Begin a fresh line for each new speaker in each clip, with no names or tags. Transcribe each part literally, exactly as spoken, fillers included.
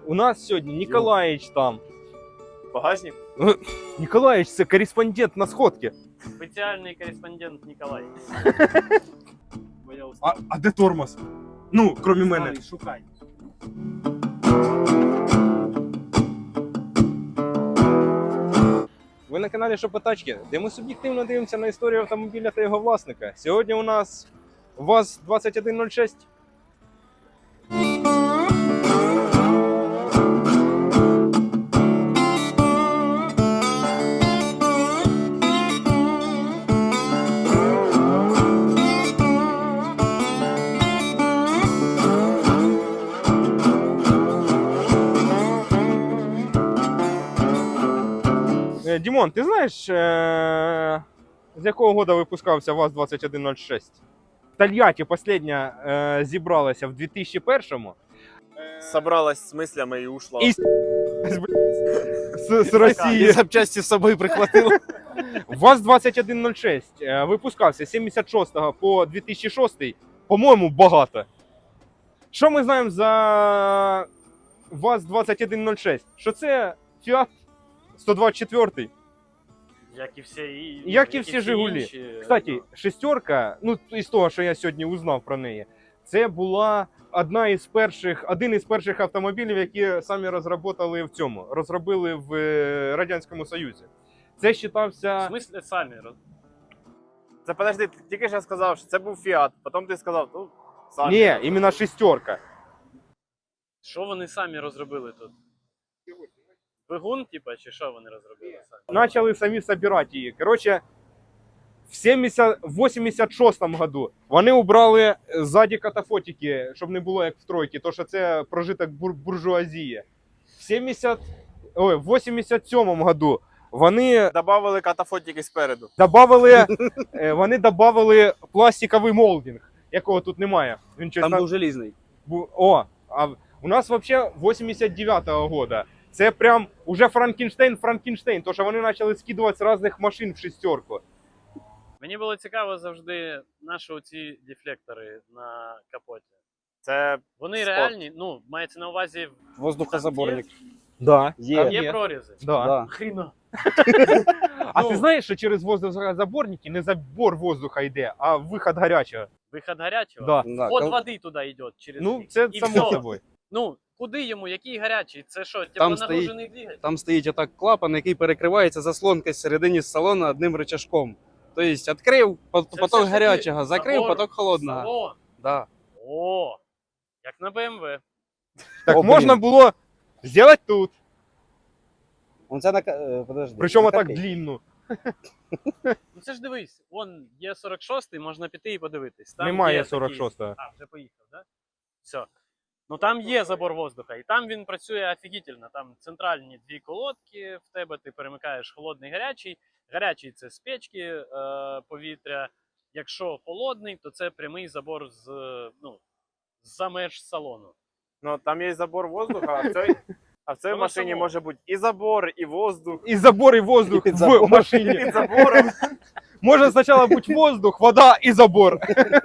У нас сьогодні Ніколаїч там.
Багажник?
Ніколаїч – це кореспондент на сходці.
Спеціальний кореспондент Ніколай.
А, а де тормоз? Ну, крім мене.
Шукай.
Ви на каналі Шопотачки, де ми суб'єктивно дивимося на історію автомобіля та його власника. Сьогодні у нас ВАЗ двадцять один нуль шість. Дімон, ти знаєш, е- з якого года випускався ВАЗ двадцять один нуль шість? В Тольятті остання е- зібралася в дві тисячі першому.
Собралась з мислями і ушла.
І з, з Росії.
І запчасті з собою прихватила.
ВАЗ двадцять один нуль шість е- випускався з сімдесят шостого по дві тисячі шостий. По-моєму, багато. Що ми знаємо за ВАЗ двадцять один нуль шість? Що це Fiat сто двадцять четвертий.
Як і всі, і,
Як і всі Жигулі.
Інші,
Кстати,
ну,
шестерка, ну із того, що я сьогодні узнав про неї, це була одна із перших, один із перших автомобілів, які самі розробили в цьому, розробили в е, Радянському Союзі. Це
в
вважався...
смислі самі роз...
Це подожди, ти тільки що сказав, що це був Фіат, потім ти сказав, ну, самі.
Ні, іменно шестерка.
Що вони самі розробили тут? Двигун, типа, чи що вони розробили самі?
Почали самі збирати її. Коротше, в сімдесят вісімдесят шостому году вони убрали ззаді катафотики, щоб не було як в тройці, то що це прожиток бур буржуазії. В сімдесят... Ой, в вісімдесят сьомому году вони
Добавили катафотики спереду.
добавили, е, вони добавили пластиковий молдинг, якого тут немає. Він щось
Там
на-
був желізний.
бу- О, а в- у нас взагалі вісімдесят дев'ятого года. Це прям уже Франкенштейн, Франкенштейн, то що вони почали скидувати з різних машин в шестерку.
Мені було цікаво завжди, наші оці дефлектори на капоті.
Це
Вони
Спорт.
реальні, ну, мається на увазі,
Воздухозаборник.
Да.
Є.
Там
є
є.
прорізи.
Да.
Да.
Хріно.
А
Ну.
ти знаєш, що через воздухозаборники не забор воздуха йде, а виход гарячого?
Виход гарячого.
Да.
Да.
От
кол-
води туди йде через
Ну,
них.
це
І
само
всьо.
собою.
Ну, куди йому, який гарячий? Це що,
Там
теплонагружений двигатель?
Там стоїть отак клапан, який перекривається заслонкою всередині салону одним рычажком. Тобто відкрив по-
Це
поток
все ж
гарячого,
таки
закрив
забор,
поток холодного.
Салон.
Да.
О, як на Б М В.
Так
О, блін.
можна було зробити тут,
Он це на... ка- е, Подожди.
причому
на
так
копійку.
длинну.
Ну це ж дивись, вон є сорок шостий, можна піти і подивитись. Там
Немає
є
сорок
такий-
шостого.
А, вже поїхав, да? Все. Ну там є забор воздуха, і там він працює офігітельно. Там центральні дві колодки в тебе, ти перемикаєш холодний гарячий. Гарячий це з печки е, повітря. Якщо холодний, то це прямий забор з, е, ну, за меж салону.
ну, там є забор воздуха, а в цій, а в цій
Воно
машині
само.
може бути і забор, і воздух.
І забор, і воздух
І під
в
забором.
машині.
Під забором.
Може спочатку бути воздух, вода і забор.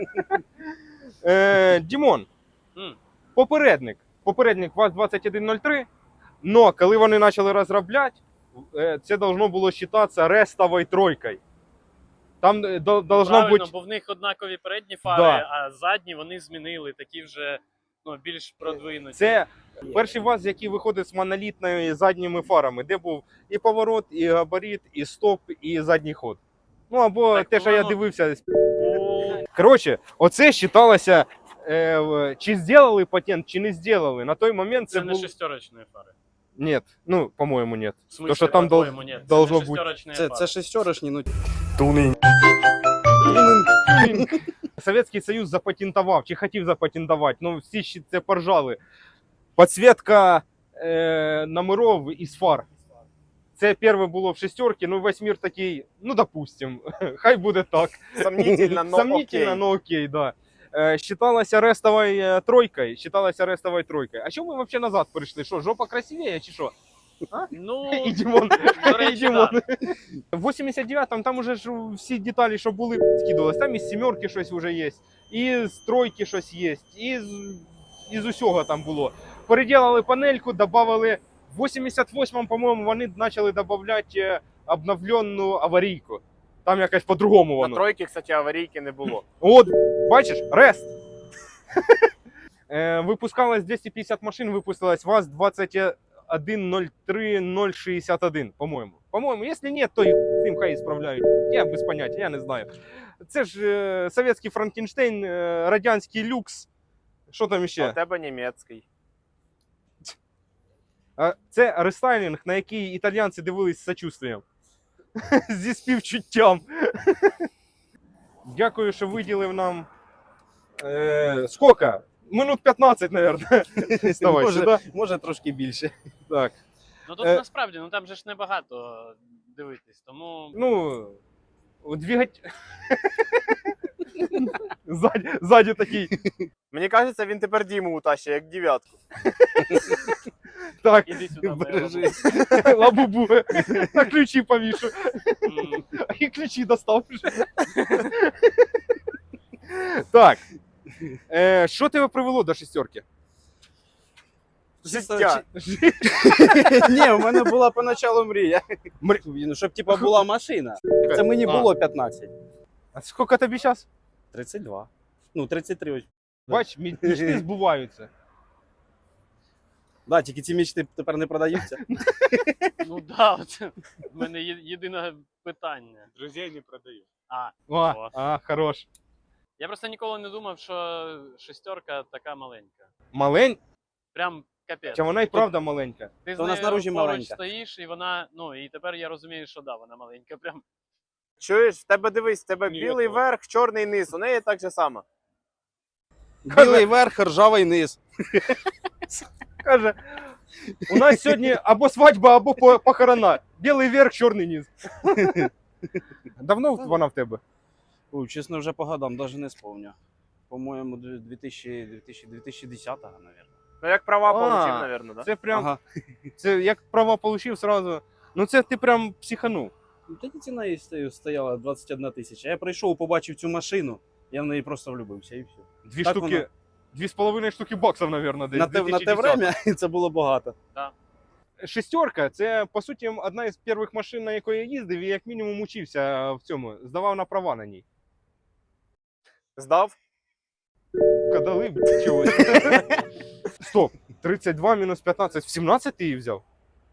Е, Дімон,
М.
попередник. Попередник ВАЗ двадцять один нуль три, но коли вони почали розробляти, е, це должно було вважатися рестовою тройкою. Там е, до- должно
Правильно,
бути...
бо в них однакові передні фари,
Да.
а задні вони змінили, такі вже ну, більш продвинуті.
Це перший ВАЗ, який виходить з монолітними задніми фарами, де був і поворот, і габарит, і стоп, і задній ход. Ну або
Так,
те, що я
воно-
дивився.
О,
Коротше, оце вважалося, е, в- чи зробили патент, чи не зробили. На той момент це,
це не
був...
шестерочні фари.
Ні, ну, по-моєму, ні.
В смысле,
То, що там дол-
по-твоєму, ні, це
должно
не
бути.
шестерочні
Це,
фари.
це шестерочні, ну
Совєтський Союз запатентував, чи хотів запатентувати, ну всі ще це поржали. Підсвітка е, номерів із фар. Це перше було в шестерці, ну весь мір такий, ну допустим, хай буде так.
Сомнительно, но
Сомнительно,
окей.
но окей, да. Е, Считалася рестовою тройкою, считалася рестовою тройкою. А чому ми взагалі назад перейшли? Що, жопа красивіє чи що?
Ну,
І Дімон.
до речі,
І Дімон.
да.
В вісімдесят дев'ятому там уже ж всі деталі, що були, скидувалось. Там із сімерки щось вже є, і з тройки щось є, і з, із усього там було. переділили панельку, додали в вісімдесят восьмому, по-моєму, вони почали додавати обновлену аварійку. Там якось по-другому
На
воно.
тройки, кстати, аварійки не було.
От, бачиш, рест. Е, Випускалось двісті п'ятдесят машин, випустилось ВАЗ двадцять один ноль три ноль шістдесят один, по-моєму. По-моєму, якщо ні, то і тим хай справляють. Я без поняття, я не знаю. Це ж е, совєтський Франкенштейн, е, радянський люкс. Що там
А у
ще?
тебе німецький.
А, Це рестайлінг, на який італійці дивились з сочувствием. Зі співчуттям. Дякую, що виділив нам. Е, скільки? Минут п'ятнадцять, мабуть. Вставай
може,
сюди.
може трошки більше.
Так.
Ну тут
Е.
насправді, ну там же ж небагато дивитись, тому
Ну, двигать. Ззаді, ззаді такий.
Мені кажеться, він тепер Діму утащить, як дев'ятку.
Так,
іди сюди.
Бережи.
лабубу. На ключі повішу.
М,
І ключі достав вже. Так. Е, що тебе привело до шістерки?
Життя.
Ні, у мене була поначалу мрія.
Мр-
Ну, щоб типа була машина. Це мені
А.
було п'ятнадцять.
А скільки тобі зараз?
тридцять два. Ну, тридцять три ось.
Бач, мі- мечти збуваються.
Да, тільки ці мічти тепер не продаються.
Ну да, от в мене є- єдине питання.
Друзей не продаю.
А,
О,
О.
а, хорош.
я просто ніколи не думав, що шестерка така маленька.
Маленька,
Прям капець.
вона і правда маленька.
Ти з
То вона
нею
знаружі
поруч
маленька.
стоїш, і вона, ну, і тепер я розумію, що да, вона маленька. Прям.
Чуєш, в тебе дивись, в тебе
Ні,
білий
то-
верх, чорний низ. У неї так же само.
Білий верх, ржавий низ.
Каже, у нас сьогодні або свадьба, або по- похорона. Білий верх, чорний низ. Давно вона в тебе?
Ой, чесно, вже по годам, навіть не спомню. По-моєму, дві тисячі, дві тисячі, дві тисячі десятого, мабуть.
Ну як права
А,
получив, напевно, да?
Це прям,
Ага.
це як права получив сразу. Ну це ти прям психанув.
Ну, тоді ціна їй стою- стояла двадцять одна тисяча. Я прийшов, побачив цю машину, я в неї просто влюбився і все.
Дві
Так
штуки,
воно.
дві з половиною штуки баксів, мабуть, десь.
На те, на те
2010.
время це було багато.
Шестерка, це по суті одна із перших машин, на якої я їздив, і як мінімум учився в цьому, здавав на права на ній.
Здав?
Кадали, б**, чогось. Стоп, тридцять два мінус п'ятнадцять, в сімнадцять ти її взяв?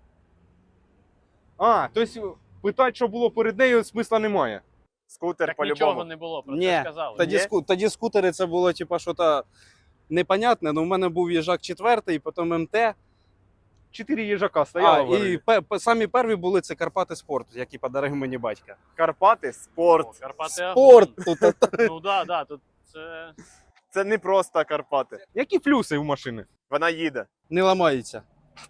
А, тобто питати, що було перед нею, смисла немає.
Скутер
Так нічого
по-любому.
не було, про
Ні,
це сказали.
Тоді,
Ні?
ску, тоді скутери це було типа щось непонятне. Ну, у мене був їжак четвертий, потім ем те.
Чотири їжака
А,
стояло.
і пе, пе- самі перші були це Карпати Спорт, які подарив мені батька.
Карпати,
О,
спорт.
Карпати
Спорт! Тут,
Ну да, да, тут це.
Це не просто Карпати.
Які плюси у машини?
Вона їде.
не ламається.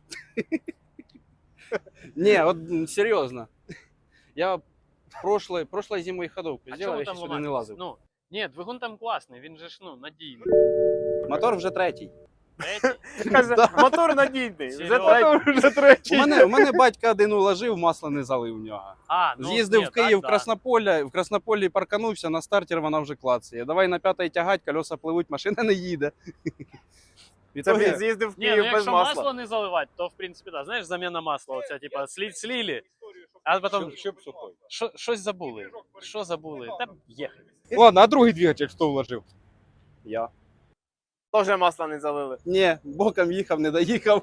Ні, от м, серйозно. Я прошлой, прошлой зимою ходовку
А
зробив,
чому
я
там
ще сюди не
ламати?
лазив.
Ну, ні, двигун там класний, він же ж ну, надійний.
Мотор вже третій.
Третій.
Каже, мотор надійний. Вже
Серйозно?
третій.
Вже
У
третій.
мене, у мене батька один уложив, масло не залив в нього.
А, ну,
З'їздив
ні,
в Київ,
так,
в Краснополі, в Краснополі парканувся, на стартер вона вже клацає. Давай на п'ятий тягать, колеса пливуть, машина не їде. В
Це
ітогі-
він з'їздив в
Ні, ну
Київ без
якщо
масла.
масло не заливати, то в принципі, так. Знаєш, заміна масла, оця, типа, слі, слілі, а потім що, щось забули. Що забули? Та їхали.
Ладно, а другий двигатель хто вложив?
Я.
Тоже масла не залили.
Ні, боком їхав, не доїхав.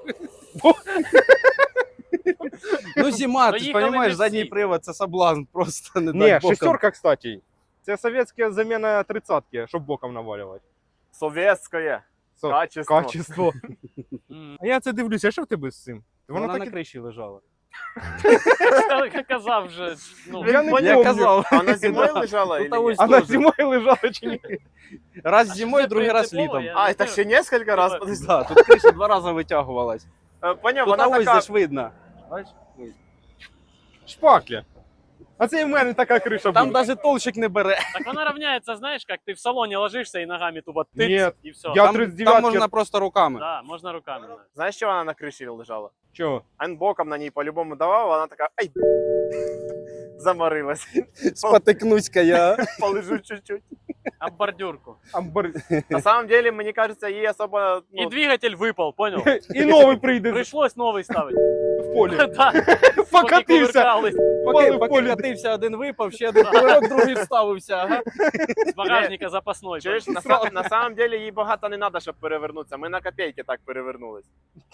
Ну, зима, ти ж
Доїхали
розумієш,
не
задній
всі.
привод це соблазн, просто не
Ні,
дать боком.
шестерка, кстати. Це совєтська заміна тридцятки, щоб боком навалювати.
Совєтське.
Со-
Качество.
Качество.
М.
А я це дивлюся, а що в тебе з цим?
Вона,
Воно
на
так і...
криші лежала.
Я казав вже, ну,
Я не
Поняв.
Я
помню.
казав.
А вона зимою лежала
Ну,
или
та
ні?
ось
А на
теж.
зимою лежала чи ні?
Раз
А
зимою,
що це
другий раз
принципово?
літом.
Я-
А, так ще несколько раз. подожди.
Да, тут криша два рази витягувалась.
Е, Поняв,
Тут
вона
ось
така.
ж видно. Бачиш?
Шпаклі. А це і в мене така криша
Там
була.
навіть толщик не бере.
так вона равняється, знаєш, як ти в салоні ложишся і ногами тупо тиц,
Ні,
і все.
я-
Там,
тридцять дев'ятки.
там можна просто руками.
Да, можна руками. навіть.
Знаєш, що вона на криші лежала?
Чого?
А він боком на ній по-любому давав, вона така, ай, заморилась.
Спотикнусь-ка я.
Полежу чуть-чуть.
Об бордюрку.
Амбар...
На самом деле, мені кажется, їй особо...
И
Ну,
двигатель выпал, понял?
І новий прийде
Пришлось новый ставить.
в полі.
Да.
Покатився.
Кувыркались.
Поки,
в
поки
полі.
катився, один випав, ще один кувирок, другий вставився. Ага.
С багажника запасной.
чуєш, на, са- на самом деле їй багато не треба, щоб перевернутися. Ми на копійки так перевернулись.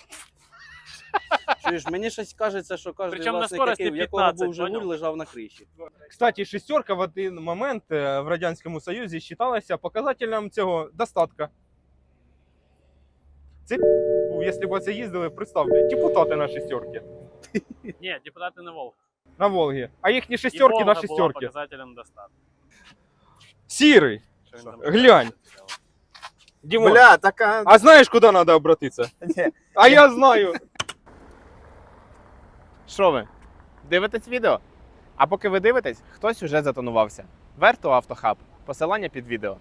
Чуєш, мені щось кажеться, що кожен
Причому на
власник,
скорості
який, в якого
п'ятнадцять,
був Жигуль,
понял?
лежав на криші.
Кстати, шестерка в один момент е, в Радянському Союзі вважалася показателем цього достатка. Це був, якщо б це їздили, представте, депутати на шестерки.
Не, депутаты на Волг.
На Волгі. А їхні
И
шестерки
Волга
на
была
шестерки.
показателем достатка.
Сірий.
Что он там
Глянь. Димон,
Бля, така...
а знаєш, куди треба обратитися?
Ні.
А я знаю.
Що ви? Дивитесь відео? А поки ви дивитесь, хтось уже затонувався. Верту Автохаб. Посилання під відео.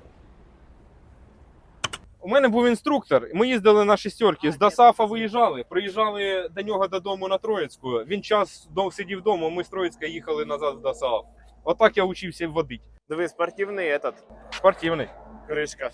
У мене був інструктор, ми їздили на шестерки, з Досафа виїжджали, приїжджали до нього додому на Троїцьку. Він час дов- сидів вдома, ми з Троїцька їхали назад в Досаф. Отак я учився водити.
Диви, спортивний этот.
Спортивний.
Кришка.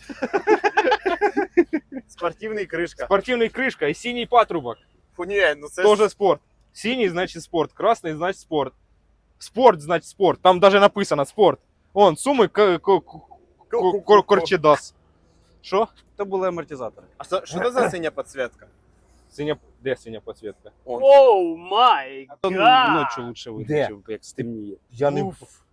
Спортивний кришка.
Спортивний кришка і синій патрубок.
Фу, ні, ну це ж...
Тоже спорт. Синій значить спорт, красний значить спорт. Спорт значить спорт. Там даже написано спорт. Он, суми к- к- к- к- корчедас. Що?
То були амортизатори.
А що що це за синя підсвітка?
Синя, де синя підсвітка?
Оу май
То
гад!
ночі лучше виключив, як стемніє.
Я не...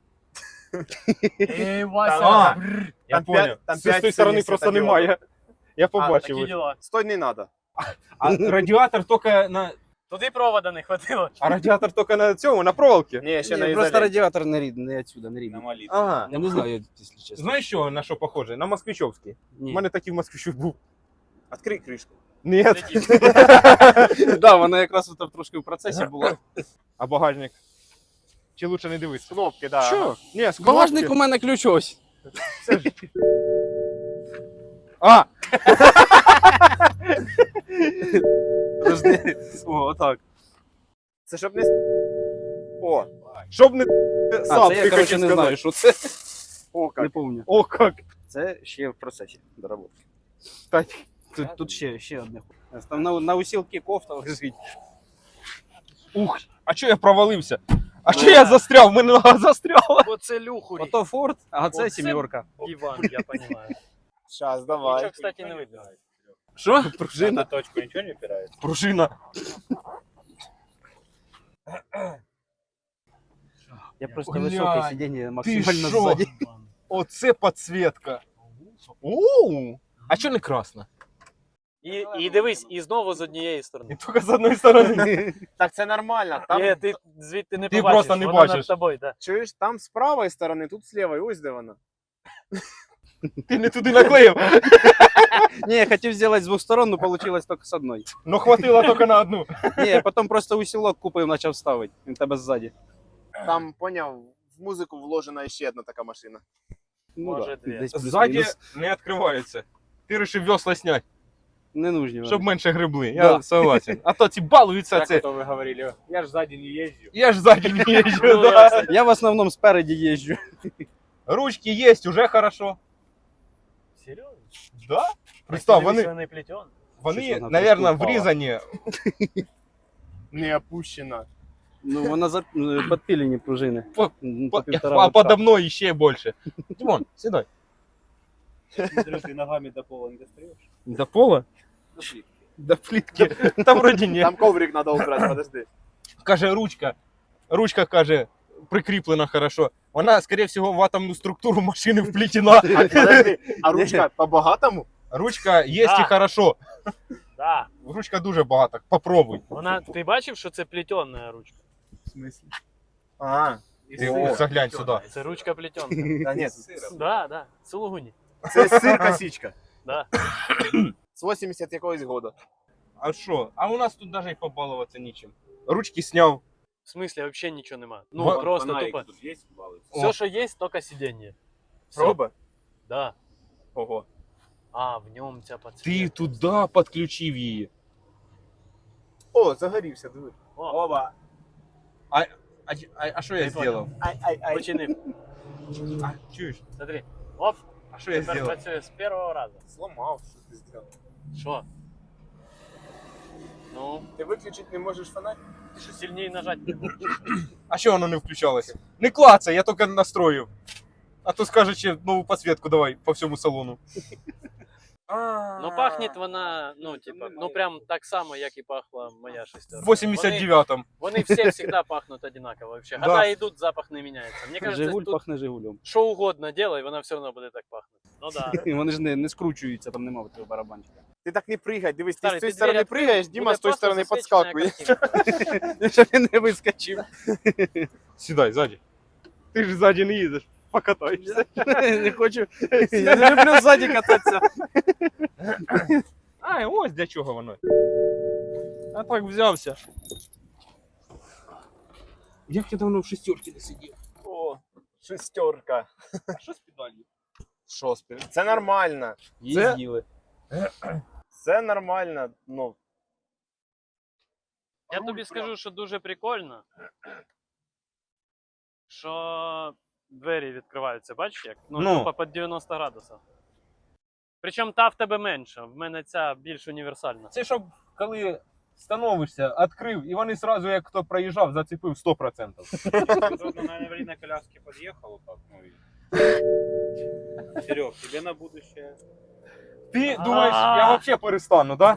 Эй,
А,
Вася!
я
Там
понял.
п'ять- там
З
п'ять
тої сторони
синіх
просто
світодіодів.
немає. Я
Такие
побачив.
дела.
Стой, не надо.
А радіатор тільки на...
Туди провода не хватило.
А радіатор тільки на цьому, на проволоці?
Ні, ще
Ні,
на
просто
ізоляції.
радіатор не рідний, не отсюда, не рідний.
Ага.
Я не знаю, якщо чесно.
Знаєш, що, на що похоже? На москвичовський. У
Ні.
мене такий москвичів був.
Відкрий кришку.
Ні.
Да, вона якраз от трошки в процесі була.
А багажник? Чи лучше не дивись?
Кнопки, да.
Що? Ні, з
Багажник
кнопки.
у мене ключ ось.
А!
Подожди. О, отак.
Це щоб не... О,
Щоб не...
А,
Сам,
це
ти
я, коротше,
хотів
не
сказати.
знаю, що це.
о,
Не
як.
пам'ятаю.
О, як.
Це ще в процесі доработки.
Так.
Тут, тут ще, ще одне. Там на, на усілки кофта лежить.
Ух, а чого я провалився? А чого я застряв? У мене нога застряла.
Оце люхурі.
Ото Форд, а це
Оце-
сімерка.
Іван, я понимаю.
Щас, давай.
Нічого, кстати, не видно.
Що?
Пружина.
точку нічого не опирається.
Пружина.
Я просто
Глянь,
високе сидіння максимально
що?
ззаді.
Оце підсвітка. Оу. А чого не красна?
І, і дивись, і знову з однієї
І
сторони.
тільки з одної сторони.
Так це нормально. Там,
Ні, ти звідти не
Ти
побачиш.
просто не
вона
бачиш.
над тобою, да.
чуєш, там з правої сторони, тут з лівої, ось де вона.
Ти не туди наклеїв.
Ні, я хотів зробити з двох сторон, але вийшло тільки з одної.
Но хватило тільки на одну.
Ні, я потім просто усілок купив, почав ставити. Він тебе ззаді.
Там, поняв, в музику вложена ще одна така машина.
Ну,
Може,
да,
дві.
десь
Ззаді
плюс-мінус.
не відкривається. Ти вирішив весла зняти,
Не нужні.
щоб менше грибли. Я
Да.
согласен. А то ці балуються
Як
це.
то ви говорили? Я ж ззаді не їжджу.
Я ж ззаді не їжджу,
Ну,
да.
Я в основному спереді їжджу.
Ручки є, уже хорошо.
Серйозно?
Да? Представ,
Дивись,
вони,
вони плетені.
вони,
Щось вона
наверное,
трошки упала.
врізані.
Не опущена.
Ну, вона за е, підпілені пружини.
По-
Ну,
По-
півтора
А
лапша.
подо мною ще більше. Димон, сідай.
Смотрю, ты ногами до пола не достаешь.
До пола? До плитки. Там вроді ні.
Там коврик треба убрати, подожди.
Каже, ручка. Ручка, каже, прикріплена хорошо. Вона, скоріше всього, в атомну структуру машини вплетена.
А, подожди, а ручка по-багатому?
Ручка є
Да.
і хорошо.
Да.
Ручка дуже багата. Попробуй.
Вона, ти бачив, що це плетена ручка?
В смысле? А,
Ти
О,
заглянь сюди.
Це ручка плетенка.
да ні,
Да, да. Сулугуні.
це сир косичка.
Да.
З вісімдесят якогось года.
А що? А у нас тут навіть побалуватися нічим. Ручки сняв.
В смысле, вообще нічого нема. Ну,
Ва-
просто тупо.
тут есть баллы?
Все, що є, тільки сидіння. Всё.
Проба?
Да.
Ого.
А, в ньому ця
Ти
подсвітка.
туди підключив її.
О, загорівся, диви.
О,
Оба.
А, а, а що я
Ти
зробив?
Ай, ай, ай.
починив.
А, чуєш?
Смотри. Оп,
А що я
тепер
зробив?
працює з першого разу.
Сломав, що ти зробив.
Що? Ну,
Ти виключити не можеш фонарик?
ти що сильніше нажати не можеш.
А що воно не включалося? Не клацай, я тільки настроїв. А то скаже, ще нову підсвітку давай по всьому салону.
Ну пахне вона, ну, типа, ну прям так само, як і пахла моя шестерка.
В вісімдесят дев'ятому.
Вони, вони всі завжди пахнуть одинаково вообще.
Да.
Года йдуть, запах не міняється. Мені кажется,
Жигуль
тут
пахне Жигулем.
що угодно делай, вона все одно буде так пахнути. Ну да.
І вони ж не, не скручуються, там немає цього барабанчика.
Ти так не пригай, дивись,
Старий,
ти з цієї
ти
сторони
двері
пригаєш, Діма
Буде
з тої
просто
сторони
засвічена
підскакує.
картинка.
Щоб він не вискочив.
Сідай ззаді. Ти ж ззаді не їдеш, покатаєшся.
Не хочу. Я не люблю ззаді кататися.
А, ось для чого воно. А так взявся. Як я давно в шестерці не сидів.
О, шестерка.
А що з педалью?
Що спів? Це нормально.
Їздили.
Це нормально. Ну,
Я тобі скажу, що дуже прикольно, що двері відкриваються, бачиш як? Ну,
Ну.
тупо під дев'яносто градусів. Причому та в тебе менша, в мене ця більш універсальна.
Це щоб коли становишся, відкрив, і вони одразу, як хто проїжджав, зацепив сто відсотків.
тут на аварийной коляске подъехал, так, ну и... Серег, тебе на будущее.
Ти думаєш, я взагалі перестану, да?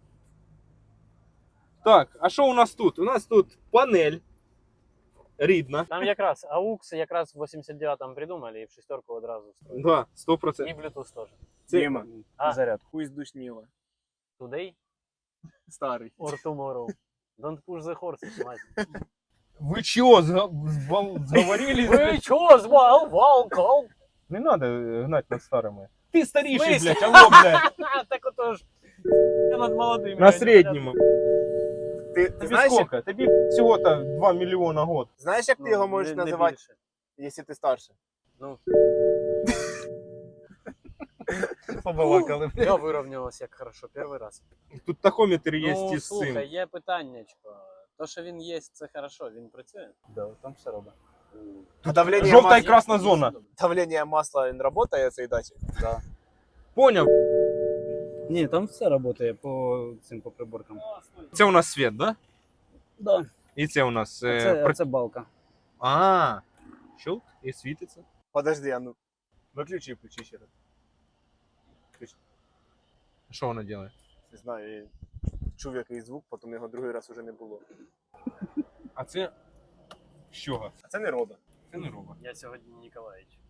Так, а що у нас тут? У нас тут панель рідна.
Там якраз аукс якраз в вісімдесят дев'ятому придумали і в шестерку одразу встроили.
Да, сто
І
процентів.
Bluetooth теж.
Дима,
А.
Заряд.
хуй сдушнило.
Today
Старый.
or tomorrow. Don't push the horses, мать.
Ви чого, зговорились?
Ви чого, звал, валкал?
Не треба гнати над старими. Ти старіший,
Смисл?
блядь, алло, блядь.
Так отож. Я над молодими.
На середньому.
Ти, ти
Тобі
знаєш, як,
скільки? Тобі всього-то два мільйона год.
знаєш, як ти його
Ну,
можеш
не- не
називати,
більше.
якщо ти старше?
Ну,
Побалакали.
я вирівнялась як хорошо, перший раз.
Тут тахометр є
Ну,
із
слухай,
цим.
є питаннячко. То, що він є, це хорошо, він працює?
Да, там все робить.
А давлення
Жовта і
масла,
красна зона.
давлення масла не працює цей датчик?
Да.
Поняв?
Ні, там все працює по цим по приборкам.
Це у нас світ, да?
Да.
І це у нас...
А
е,
це,
при-
а це балка.
А, щелк, і світиться.
Подожди, а ну. Виключи і включи ще раз.
Що вона робить?
Не знаю, я чув якийсь звук, потім його другий раз уже не було.
А це... з чого?
А це не рода.
Це не робот.
Я сьогодні Ніколаїч.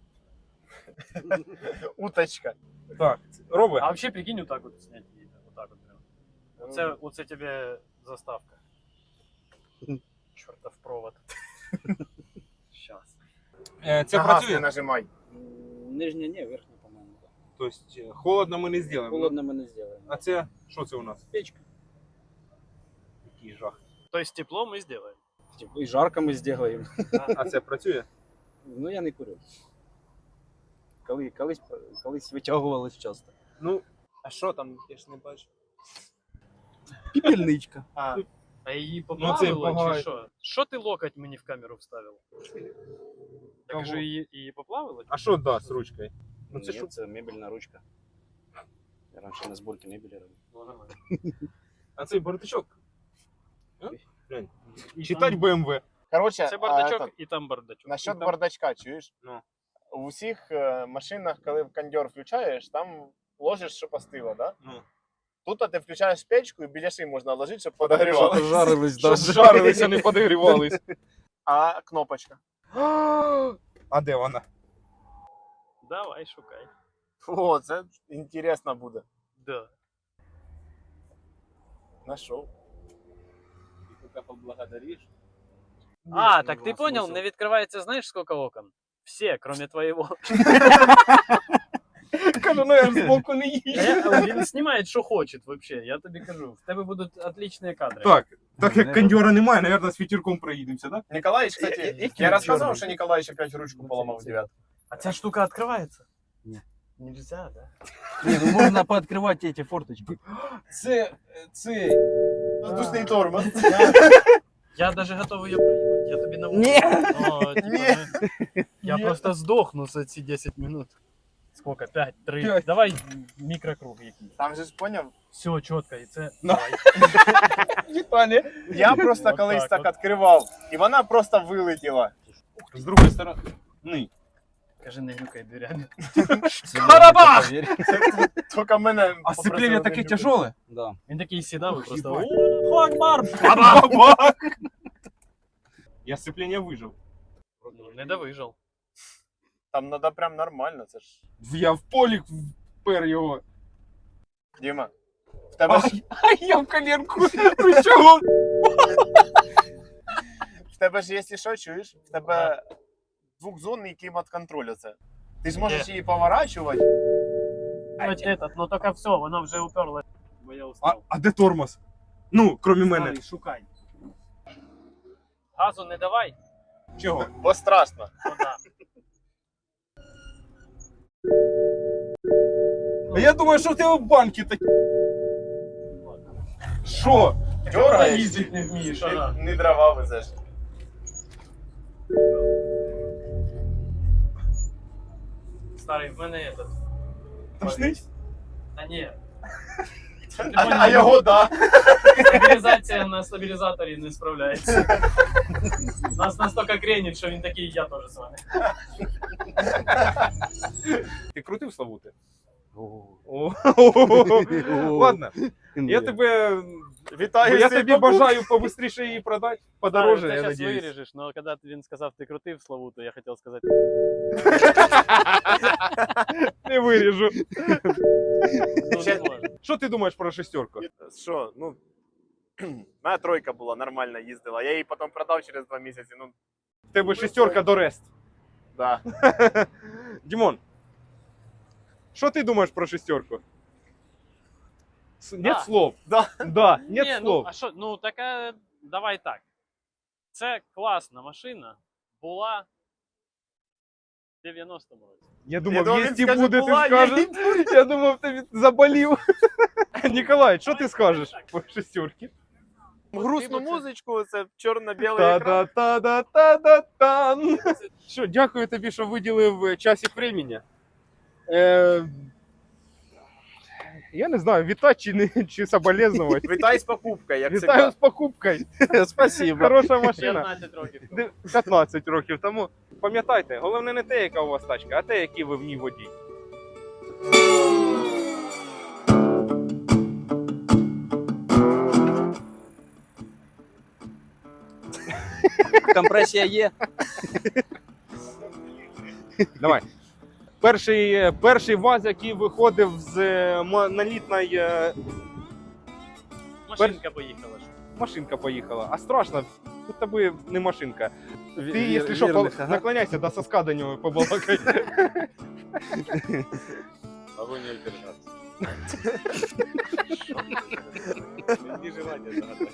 Уточка.
Так, робить.
А взагалі, прикинь, отак от снять її. Отак от прям. Оце, оце тебе заставка. Чортов провод. Щас.
Е, Це
На газ не
працює?
нажимай.
Нижня, ні, верхня, по-моєму.
Тобто е, холодно ми не зробимо.
Холодно ми не зробимо.
А це, що це у нас?
Печка.
Який жах.
Тобто тепло ми зробимо.
Типу, і жарко ми зробимо.
А це працює?
Ну я не курю. Коли, колись, колись витягувалось часто.
Ну,
А що там? Я ж не бачу.
Піпельничка.
А,
А її
Ну, це
поплавило
погано.
чи що? Що ти локоть мені в камеру вставив? Я
Кого?
кажу, її, її поплавило?
а що да з ручкою? Ну
Ну,
це
це,
що?
це мебельна ручка. Я раніше на зборці мебелі робив.
Ну, нормально.
А цей бардачок? А? Глянь. Читать бэ эм вэ.
короче,
Це
а,
бардачок
этот,
і там бардачок.
насчет
там-
бардачка, чуєш?
Ну.
У всіх е, машинах, коли кондьор включаєш, там ложиш, щоб остило, да?
Ну.
Тут ти включаєш печку і біляши можна ложити, щоб подогрівалося.
Жарились,
Щоб жарилися, не подогрівались.
А кнопочка.
А де вона?
Давай, шукай.
О, це інтересно буде.
Да.
Нашов. І поки поблагодариш.
А, так ти понял, не відкривається, знаєш, скільки окон? Всі, кроме твоєго.
Кажу, ну я ж збоку не їжджу.
Е, Він знімає, що хоче, вообще. Я тобі кажу. В тебе будуть отличні кадри.
Так, так як кондьора немає, наверное, з вітерком проїдемося, да?
Николаевич,
Я-
кстати,
я-
я
я
рассказывал,
чёрный.
что Николаевич опять ручку поломал в девятку.
А ця штука відкривається?
Ні.
Нельзя, да?
Ні, ну можна пооткривати ці форточки.
Це, це...
Воздушный тормоз.
Я даже готовий її проїбати. Я тобі на
Ні.
О, типа,
Ні.
ну, Я просто здохну за ці десять минут. Сколько? П'ять, три.
П'ять.
Давай мікрокруг якийсь.
Там же ж поняв.
Все, чітко, і це.
На.
Давай.
Віталій.
Я просто
От
колись
так
так
от.
відкривав, і вона просто вилетіла.
З другої сторони. Ні.
Кажи, не глюкай дверями.
Барабах!
Тільки мене
А сцепление
попросили
таке
не любити.
тяжеле.
Да.
Він такий сідав і просто.
Ебать.
О, Акбар!
Барабах! Я сцепление вижив.
Ну, не довижив.
Там треба прям нормально, це ж.
Я в полі впер його.
Діма, в тебе ж,
А я в коленку. Ну чого?
в тебе ж, якщо що, чуєш, в тебе двохзонний клімат-контроль оце. Ти ж можеш
Є.
її поворачувати.
Ось этот, ну тільки все, вона вже уперлась. Бо я
А,
устав.
а де тормоз? Ну, крім мене.
Старий, шукай. Газу не давай.
Чого?
Бо страшно.
Вона.
А я думаю, що в тебе банки такі. Що?
Дергаєш,
їздить не вмієш, ага.
не дрова везеш.
Старий, в мене этот.
Тошнить?
Та ні.
А, а його, да.
Стабілізація на стабілізаторі не справляється. Нас настільки кренить, що він такий, я теж з вами.
Ти крутив Славути? О. Ладно, я тебе,
Вітаю
я
всіх
тобі
покупок.
бажаю побыстріше її продати, подороже,
Ти
я
зараз
надіюсь.
виріжеш, але коли він сказав, ти крутив Славуту, я хотів сказати.
Не виріжу.
Ну, не можна.
Що ти думаєш про шестерку?
Що, ну, моя тройка була, нормально їздила. Я її потім продав через два місяці, ну,
В тебе шестерка до рест.
да.
Дімон, що ти думаєш про шестерку? С- Нет
Да.
слов.
Да.
Да, нет
Ні, ну,
слов.
а що, ну така, давай так. Це класна машина була в дев'яностому році.
Я думав,
думав,
є
він
і
скаже,
буде, ти
була,
скажеш. Я думав, ти заболів. Ніколай, що ти скажеш по шестерці?
Грустну музичку, це чорно-білий екран.
Та-да-та-да-та-да-тан. Що, дякую тобі, що виділив часик времени. Е, я не знаю, вітати чи, не, чи соболезнувати.
Вітай з покупкою, як
Вітаю
завжди.
з покупкою.
Спасибо.
Хороша машина.
п'ятнадцять років.
Де- п'ятнадцять років тому. Пам'ятайте, головне не те, яка у вас тачка, а те, який ви в ній водій.
Компресія є.
Давай. Перший, е, перший ВАЗ, який виходив з е, монолітної е,
Машинка поїхала. ж.
машинка поїхала. А страшно, тут тобі не машинка. Ти,
Вір-
якщо що,
вірних,
по-
ага.
наклоняйся до соска до нього побалакай.
Могу не держаться.
Не желання загадати.